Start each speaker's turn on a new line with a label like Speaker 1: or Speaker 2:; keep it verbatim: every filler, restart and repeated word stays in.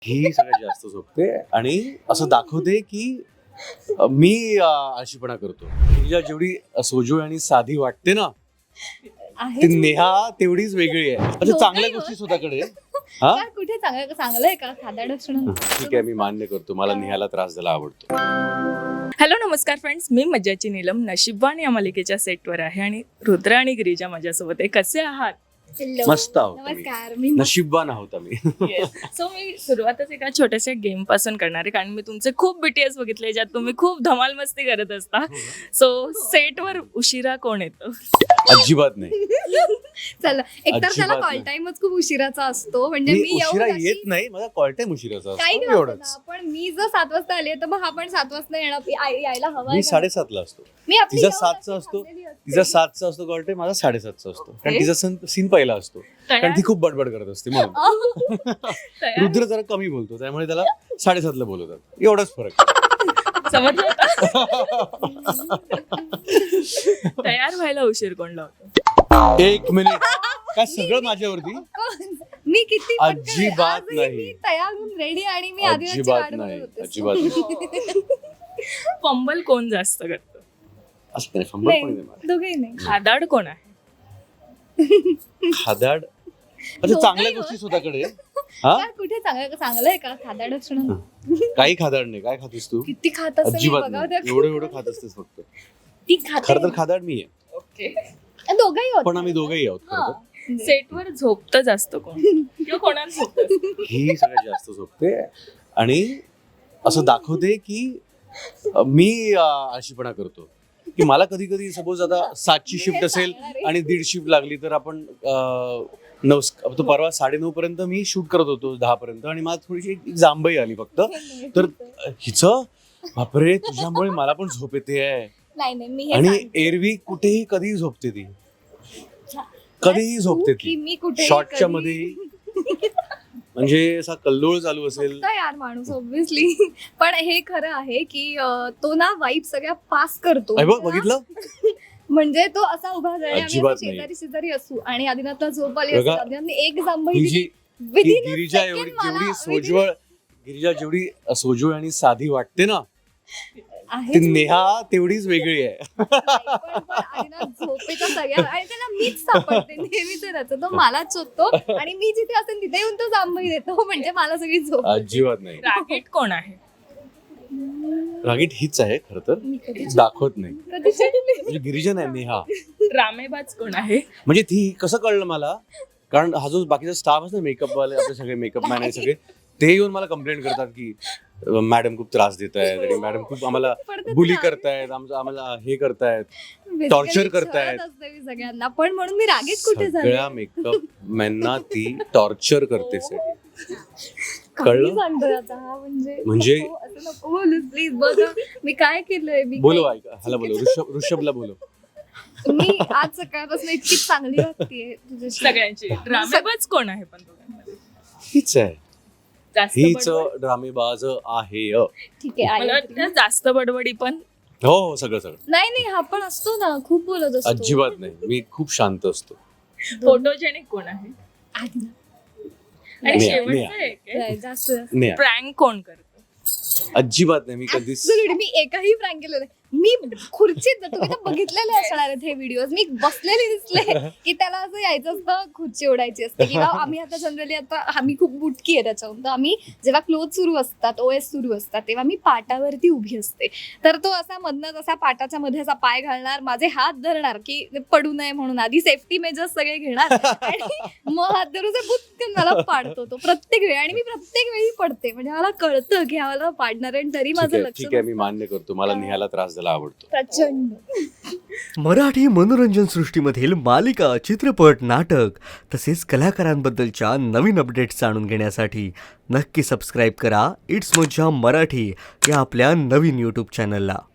Speaker 1: ही सगळ्यात जास्त झोपते आणि असं दाखवते की अ, मी अ, आळशीपणा करतो. तिला जेवढी सोजवळ आणि साधी वाटते ना,
Speaker 2: आहे
Speaker 1: ती नेहा तेवढीच वेगळी आहे. अच्छा,
Speaker 2: झोप
Speaker 1: चांगल्या
Speaker 2: नाही
Speaker 1: गोष्टी
Speaker 2: होत.
Speaker 1: स्वतःकडे हा
Speaker 2: का कुठे चांगलं चांगलं आहे का खादाड असणं?
Speaker 1: ठीक आहे, मी मान्य करतो. मला नेहाला त्रास द्यायला आवडतो.
Speaker 3: हॅलो नमस्कार फ्रेंड्स, मी मज्जाची नीलम नशिबवान या मालिकेच्या सेटवर आहे आणि रुद्र आणि गिरिजा माझ्यासोबत आहे. कसे आहात?
Speaker 2: Hello.
Speaker 1: मस्त आहोत आम्ही.
Speaker 2: नमस्कार मी
Speaker 1: नशीबवान आहोत आम्ही.
Speaker 3: सो मी सुरुवातच एका छोट्याशा गेम पासून करणार आहे, कारण मी तुमचे खूप बीटीएस बघितले ज्यात तुम्ही खूप धमाल मस्ती करत असता. सो सेटवर उशिरा कोण येतं?
Speaker 1: अजिबात नाही.
Speaker 2: चला एकतर
Speaker 1: अजिबात
Speaker 2: त्याला कॉल
Speaker 1: नाही.
Speaker 2: टाइमच खूप उशिराचा असतो. म्हणजे
Speaker 1: मी
Speaker 2: मी येऊन
Speaker 1: उशिरा
Speaker 2: अशी-
Speaker 1: येत नाही, माझा कॉल टाइम उशिराचा
Speaker 2: काही
Speaker 1: असतो
Speaker 2: नाही होत
Speaker 1: एवढंच.
Speaker 2: ना, पण मी जर सात वाजता आली तर मग हा पण सात वाजता येणार याय- यायला हवा
Speaker 1: मी साडेसातला असतो.
Speaker 2: मी आपली
Speaker 1: तिचा
Speaker 2: येऊन
Speaker 1: सातचा
Speaker 2: अशी
Speaker 1: असतो.
Speaker 2: थांबलेली असते.
Speaker 1: तिचा सातचा असतो कॉल टाइम, माझा साडेसातचा असतो. कारण
Speaker 3: Okay.
Speaker 1: तिचा सण सीन पहिला असतो. कारण
Speaker 3: तयार
Speaker 1: ती खूप बडबड करत असते म्हणून.
Speaker 3: तयार
Speaker 1: रुद्र जरा कमी बोलतो, त्यामुळे त्याला साडेसातला बोलवतात. एवढाच फरक.
Speaker 3: समजलं का? तयार व्हायला उशीर कोण लावतो?
Speaker 1: एक मिनिट. काय सगळं माझ्यावरती?
Speaker 2: मी किती पटकन आहे.
Speaker 1: अजिबात
Speaker 2: आजही
Speaker 1: नाही.
Speaker 2: मी तयार होऊन रेडी आणि मी आदिवासी
Speaker 1: अजिबात
Speaker 2: वाट
Speaker 1: नाही,
Speaker 2: बघत होते.
Speaker 1: अजिबात नाही.
Speaker 3: फंबल कोण जास्त करतं?
Speaker 1: असं नाही, फंबल पण नाही मारत.
Speaker 2: दोघेही नाही.
Speaker 3: खादाड कोण आहे?
Speaker 1: खादाड. अच्छा,
Speaker 2: दोघंही
Speaker 1: चांगल्या
Speaker 2: होत.
Speaker 1: गोष्टी स्वतःकडे हा
Speaker 2: का कुठे चांगलं चांगलं आहे का खादाड असणं?
Speaker 1: काही खादाड नाही. काय खातेस तू?
Speaker 2: किती खात असेल
Speaker 1: अजिबात
Speaker 2: बघा
Speaker 1: नाही. एवढं एवढं खात असतेस फक्त.
Speaker 2: ती खाते
Speaker 1: खरं तर खादाड मी आहे,
Speaker 3: ओके.
Speaker 2: दोघंही होत
Speaker 1: पण आम्ही दोघंही आहोत खरं तर.
Speaker 2: हा.
Speaker 3: सेटवर झोपतं जास्त कोण किंवा कोणाला झोपतं?
Speaker 1: ही सगळ्यात जास्त झोपते आणि असं दाखवते की अ, मी अ, आळशीपणा करतो. की मला कधी कधी सपोज आता सातची
Speaker 2: मी
Speaker 1: शिफ्ट
Speaker 2: हे
Speaker 1: असेल
Speaker 2: सांगणार आहे.
Speaker 1: आणि दीड शिफ्ट लागली तर आपण अ, नऊ तो परवा साडेनऊ पर्यंत मी शूट करत होतो दहा पर्यंत आणि मला थोडीशी एक जांभई आली फक्त. तर हिचं बापरे, तुझ्यामुळे मला पण झोप येते आहे.
Speaker 2: नाही नाही मी हे
Speaker 1: आणि
Speaker 2: सांगते.
Speaker 1: एरवी कुठेही कधीही झोपते ती, कधीही झोपते
Speaker 2: की
Speaker 1: ती.
Speaker 2: मी कुठे
Speaker 1: शॉर्टच्या मध्ये म्हणजे असा कल्लोळ चालू असेल.
Speaker 2: यार माणूस ऑब्विसली. पण हे खरं आहे की अं, तो ना वाईब सगळ्या पास करतो.
Speaker 1: अरे बघ, बघितलं?
Speaker 2: म्हणजे तो असा उभा झाला आम्ही
Speaker 1: अजिबात
Speaker 2: असे
Speaker 1: नाही.
Speaker 2: शेजारी शेजारी असू आणि आदिनाथला झोप आली
Speaker 1: बघा,
Speaker 2: असते. आदिनाथने एक जांभई
Speaker 1: ही
Speaker 2: दिली.
Speaker 1: जी ही
Speaker 2: Within a
Speaker 1: गिरिजा
Speaker 2: second
Speaker 1: एवढी
Speaker 2: मला-
Speaker 1: जेवढी
Speaker 2: within-
Speaker 1: सोजवळ गिरिजा जेवढी सोजवळ आणि साधी वाटते ना,
Speaker 2: आहे
Speaker 1: ती नेहा तेवढीच वेगळी आहे.
Speaker 2: पण- पण आदिनाथ झोपेचा सगळ्या आणि त्याला मीच सापडते नेहमीच त्याचं. तो मलाच शोधतो आणि मी जिथे असेल तिथे येऊन तो जांभई देतो. म्हणजे मला सगळी झोप येते.
Speaker 1: अजिबात नाही.
Speaker 3: रागीट कोण आहे?
Speaker 1: रागीट हीच आहे खरं तर,
Speaker 2: मी कधी
Speaker 1: दाखवत नाही.
Speaker 2: कधी चिडली?
Speaker 1: म्हणजे गिरिजा नाही, नेहा.
Speaker 3: रामेबाज कोण आहे?
Speaker 1: म्हणजे ती कसं कळलं मला, कारण हा जो बाकीचा स्टाफ असतो मेकअप वाले, आपले सगळे मेकअप मॅन आहे सगळे, ते येऊन मला कंप्लेंट करतात की मॅडम खूप त्रास देत आहेत आणि मॅडम खूप आम्हाला
Speaker 2: पडतात
Speaker 1: बुली
Speaker 2: ना.
Speaker 1: करतायत, आमचं आम्हाला हे करतायत,
Speaker 2: Basically
Speaker 1: टॉर्चर करतायत.
Speaker 2: शहरात असते मी सगळ्यांना. पण म्हणून मी रागीट कुठे झाले?
Speaker 1: सगळ्या मेकअप मॅनना ती टॉर्चर करते set.
Speaker 2: काही
Speaker 1: कळलं?
Speaker 2: सांगतोय आता हा म्हणजे
Speaker 1: म्हणजे-
Speaker 2: नको, असं नको बोलू प्लीज. बघा मी काय केलंय. मी
Speaker 1: बोलो
Speaker 2: काय-
Speaker 1: ऐका, ह्याला बोलो, ऋषभ ऋषभला बोलो.
Speaker 2: मी आज सकाळपासून इतकी चांगली वाटतेय तुझ्याशी.
Speaker 3: सगळ्यांची. ड्रामेबाज कोण आहे पण दोघांमध्ये?
Speaker 1: हीच आहे,
Speaker 3: जास्त
Speaker 1: हीच
Speaker 3: बडबड?
Speaker 1: ड्रामेबाज आहे.
Speaker 2: ठीक आहे
Speaker 3: मला
Speaker 2: आई.
Speaker 3: वाटतं जास्त बडबडी पण.
Speaker 1: हो हो, सगळं सगळं.
Speaker 2: नाही नाही हा पण असतो ना, खूप बोलत असतो.
Speaker 1: अजिबात नाही, मी खूप शांत असतो.
Speaker 3: फोटोजेनिक कोण आहे?
Speaker 2: आधी.
Speaker 3: आणि
Speaker 1: नेहा,
Speaker 3: शेवटचं
Speaker 1: नेहा.
Speaker 3: एक
Speaker 2: नाही, जास्त
Speaker 1: नाही,
Speaker 3: प्रँक कोण करतं?
Speaker 1: अजिबात नाही. मी कधीच
Speaker 2: Absolutely. मी एकही प्रँक केलं नाही. मी खुर्चीत, तुम्ही तर बघितलेले असणार आहेत हे व्हिडिओ, मी बसलेली दिसले की त्याला असं यायचं असतं, खुर्ची ओढायची असते. किंवा आम्ही आता जनरली आता आम्ही खूप बुटकी आहे त्याच्याहून, तर आम्ही जेव्हा क्लोथ सुरू असतात, ओएस सुरू असतात, तेव्हा मी पाटावरती उभी असते. तर तो असा मधनच असा पाटाच्या मध्ये असा पाय घालणार, माझे हात धरणार की पडू नये म्हणून, आधी सेफ्टी मेजर्स सगळे घेणार आणि मग हात धरून असं बुटकन मला पाडतो तो प्रत्येक वेळी. आणि मी प्रत्येक वेळी पडते, म्हणजे मला कळतं की मला पाडणार आहे. तरी
Speaker 1: ठीक
Speaker 2: माझं
Speaker 1: आहे,
Speaker 2: लक्ष
Speaker 1: ठीक आहे, मी
Speaker 2: नसतं.
Speaker 1: मान्य करतो. मला नेहाला त्रास द्यायला आवडतो.
Speaker 2: प्रचंड.
Speaker 4: मराठी मनोरंजन सृष्टीमधील मालिका, चित्रपट, नाटक तसेच कलाकारांबद्दलच्या नवीन अपडेट्स जाणून घेण्यासाठी नक्की सबस्क्राईब करा इट्स मज्जा मराठी या आपल्या नवीन यूट्यूब चॅनलला.